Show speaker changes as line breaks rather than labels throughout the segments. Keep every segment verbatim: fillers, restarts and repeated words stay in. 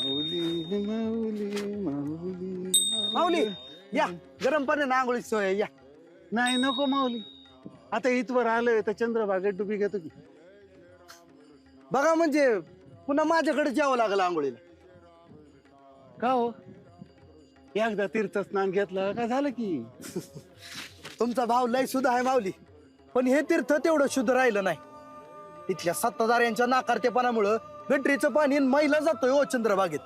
माऊली माऊली माऊली
माऊली या गरम पाणी आंघोळी सोय आहे, या.
नाही नको माऊली, आता इथवर आलोय तर चंद्रभागेत डुबी घेतो की.
बघा म्हणजे पुन्हा माझ्याकडे जावं लागलं आंघोळीला.
का हो, एकदा तीर्थ स्नान घेतलं का झालं की.
तुमचा भाव लय सुद्धा आहे माऊली, पण हे तीर्थ तेवढं शुद्ध राहिलं नाही. इथल्या सत्ताधाऱ्यांच्या नाकारतेपणामुळं गटरीचं पाणी मैला जातोय ओ चंद्रभागेत.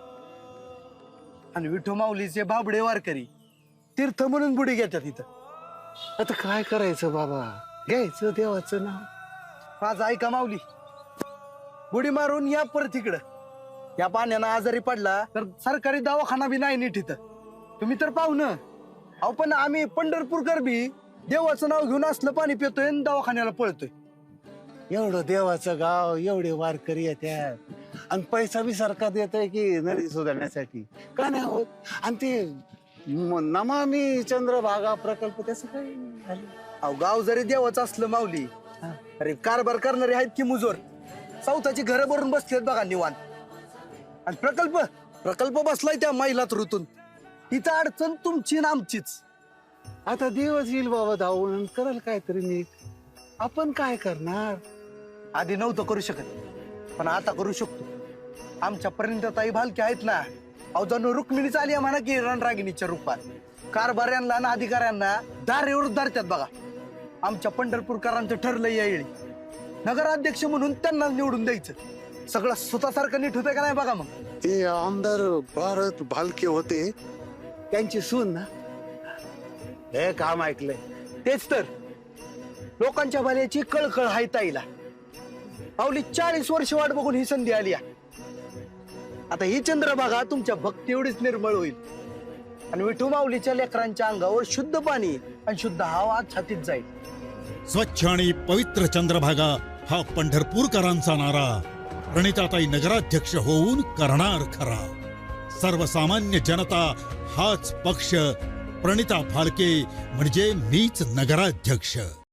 आणि विठू माऊलीचे बाबडे वारकरी तीर्थ म्हणून बुडी घेतात इथं.
आता काय करायचं बाबा, घ्यायचं देवाचं नाव.
माझं ऐका माऊली, बुडी मारून या परत इकडं. या पाण्यानं आजारी पडला तर सरकारी दवाखाना बी नाही नीट इथं. तुम्ही तर पाहुणं अहो, पण आम्ही पंढरपूरकर बी देवाचं नाव घेऊन असलं पाणी पितोय आणि दवाखान्याला पळतोय.
एवढं देवाचं गाव, एवढे वारकरी येतात आणि पैसा बी सरकार देतोय की नदी सुधारण्यासाठी, का नाही होत. आणि ते म- नमामि चंद्रभागा प्रकल्प त्याचं काय झालं.
अहो, गाव जरी देवाचं असलं माऊली, अरे कारभार करणारे आहेत की मुजोर. चौथाची घरं भरून बसलेत बघा निवांत. आणि प्रकल्प प्रकल्प बसलाय त्या मैलात ऋतून. इथं अडचण तुमची ना आमचीच.
आता देवच येईल बाबा धावून, करल काहीतरी नीट. आपण काय करणार.
आधी नव्हतं करू शकत, पण आता करू शकतो. आमच्या परिणताई भालके आहेत ना, अहो जणू रुक्मिणीच आली आहे म्हणा की रणरागिणीच्या रूपात. कारभाऱ्यांना आणि अधिकाऱ्यांना दारेवर धरतात बघा. आमच्या पंढरपूरकरांचं ठरलंय यावेळी नगराध्यक्ष म्हणून त्यांना निवडून द्यायचं. सगळं स्वतःसारखं नीट होतंय का नाही बघा. मग
ते आमदार भारत भालके होते, त्यांची सून ना, हे काम ऐकलंय.
तेच तर, लोकांच्या भल्याची कळकळ हाय ताईला. पावली चाळीस वर्ष वाट बघून ही संधी आली आहे. आता ही चंद्रभागा तुमच्या भक्ती एवढीच निर्मळ होईल आणि विठू माऊलीच्या लेकरांच्या अंगावर शुद्ध पाणी आणि शुद्ध हवा छातीत जाईल.
स्वच्छ आणि पवित्र चंद्रभागा हा पंढरपूरकरांचा नारा प्रणिताताई नगराध्यक्ष होऊन करणार खरा. सर्वसामान्य जनता हाच पक्ष, प्रणिता भालके म्हणजे मीच नगराध्यक्ष.